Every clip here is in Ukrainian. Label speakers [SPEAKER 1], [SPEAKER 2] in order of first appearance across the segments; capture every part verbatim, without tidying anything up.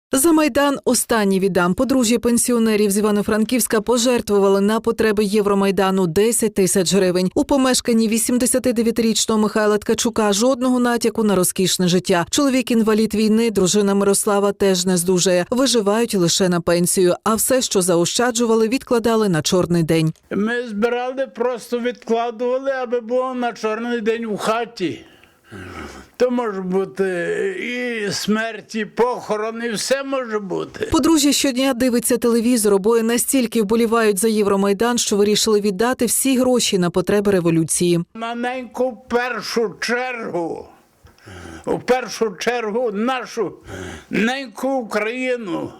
[SPEAKER 1] За Майдан останній віддам. Подружжя пенсіонерів з Івано-Франківська пожертвували на потреби Євромайдану десять тисяч гривень. У помешканні вісімдесятидев'ятирічного Михайла Ткачука жодного натяку на розкішне життя. Чоловік-інвалід війни, дружина Мирослава теж не здужає. Виживають лише на пенсію, а все, що заощаджували, відкладали на чорний день.
[SPEAKER 2] Ми збирали, просто відкладували, аби було на чорний день у хаті. То може бути і смерть, і похорон, і все може бути.
[SPEAKER 1] Подружжя щодня дивиться телевізор, обоє настільки вболівають за Євромайдан, що вирішили віддати всі гроші на потреби революції.
[SPEAKER 2] На неньку в першу чергу, у першу чергу нашу неньку Україну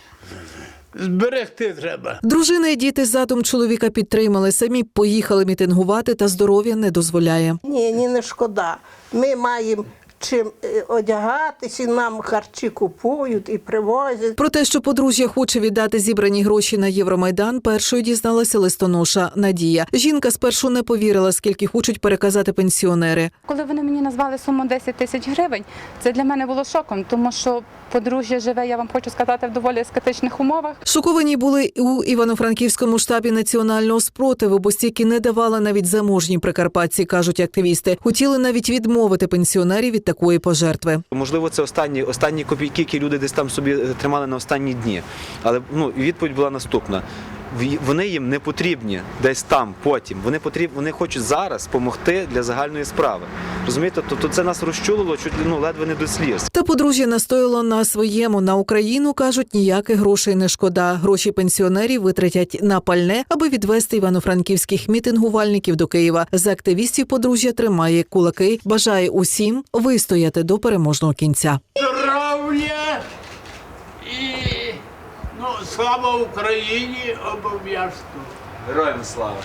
[SPEAKER 2] зберегти треба.
[SPEAKER 1] Дружина і діти задум чоловіка підтримали, самі поїхали мітингувати, та здоров'я не дозволяє.
[SPEAKER 3] Ні, ні, не шкода. Ми маємо чим одягатися, і нам харчі купують і привозять.
[SPEAKER 1] Про те, що подружжя хоче віддати зібрані гроші на Євромайдан, першою дізналася листоноша Надія. Жінка спершу не повірила, скільки хочуть переказати пенсіонери.
[SPEAKER 4] Коли вони мені назвали суму десять тисяч гривень, це для мене було шоком, тому що подружжя живе, я вам хочу сказати, в доволі аскетичних умовах.
[SPEAKER 1] Шоковані були у Івано-Франківському штабі національного спротиву, бо стільки не давали навіть заможні прикарпатці, кажуть активісти. Хотіли навіть відмовити пенсіонерів від такої пожертви.
[SPEAKER 5] Можливо, це останні, останні копійки, які люди десь там собі тримали на останні дні. Але ну, відповідь була наступна. Вони їм не потрібні десь там, потім. Вони потрібні, вони хочуть зараз допомогти для загальної справи. Розумієте? Тобто це нас розчулило чуть ну, ледве не до сліз.
[SPEAKER 1] Та подружжя настояло на своєму. На Україну, кажуть, ніяких грошей не шкода. Гроші пенсіонерів витратять на пальне, аби відвести івано-франківських мітингувальників до Києва. За активістів подружжя тримає кулаки, бажає усім вистояти до переможного кінця.
[SPEAKER 2] Здоров'я і ну, слава Україні обов'язково.
[SPEAKER 5] Героям слава!